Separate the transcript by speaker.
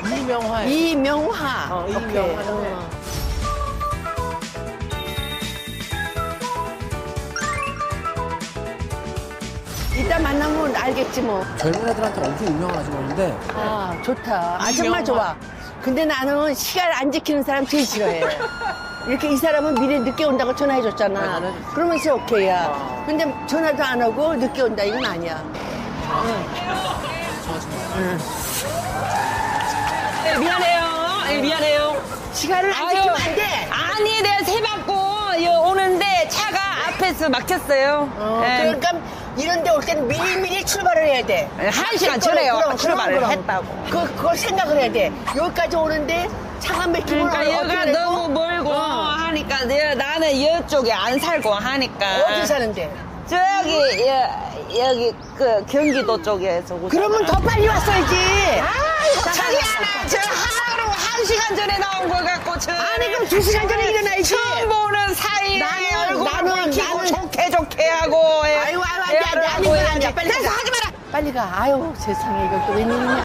Speaker 1: 이명화.
Speaker 2: 이명화. 오케이.
Speaker 1: 이명화는
Speaker 2: 이따 만나면 알겠지 뭐.
Speaker 1: 젊은 애들한테 엄청 유명한 아줌마인데
Speaker 2: 아, 좋다. 아,
Speaker 1: 이명화.
Speaker 2: 정말 좋아. 근데 나는 시간 안 지키는 사람 제일 싫어해. 이렇게 이 사람은 미리 늦게 온다고 전화해줬잖아.
Speaker 1: 네, 전화해줬지.
Speaker 2: 그러면서 오케이야.
Speaker 1: 아.
Speaker 2: 근데 전화도 안 하고 늦게 온다 이건 아니야.
Speaker 3: 네, 미안해요. 네, 미안해요.
Speaker 2: 시간을 안
Speaker 3: 아유,
Speaker 2: 지키면 안 돼.
Speaker 3: 아니, 내가 새 받고 오는데 차가 앞에서 막혔어요. 네.
Speaker 2: 그러니까 이런 데 올 때는 미리미리 출발을 해야 돼.
Speaker 3: 네, 1시간 전에요. 출발을 했다고.
Speaker 2: 그걸 생각을 해야 돼. 여기까지 오는데 차가 막히면
Speaker 3: 그러니까
Speaker 2: 어떻게
Speaker 3: 여기가
Speaker 2: 되고?
Speaker 3: 너무 멀고 하니까 나는 이쪽에 안 살고 하니까.
Speaker 2: 어디 사는데?
Speaker 3: 여기 그 경기도 쪽에서.
Speaker 2: 그러면 더 빨리 왔어야지.
Speaker 3: 아이고, 저기 하나, 저 하루 1시간 전에 나온 거 갖고,
Speaker 2: 아니, 그럼 2시간 전에 일어나야지.
Speaker 3: 처음 보는 사이에 얼굴
Speaker 2: 나는
Speaker 3: 좋게 하고.
Speaker 2: 아유, 안 돼, 안 돼. 아니, 이건 안 돼. 빨리
Speaker 3: 됐어,
Speaker 2: 가.
Speaker 3: 하지 마라.
Speaker 2: 빨리 가. 아유, 세상에, 이거 또 웬일이냐.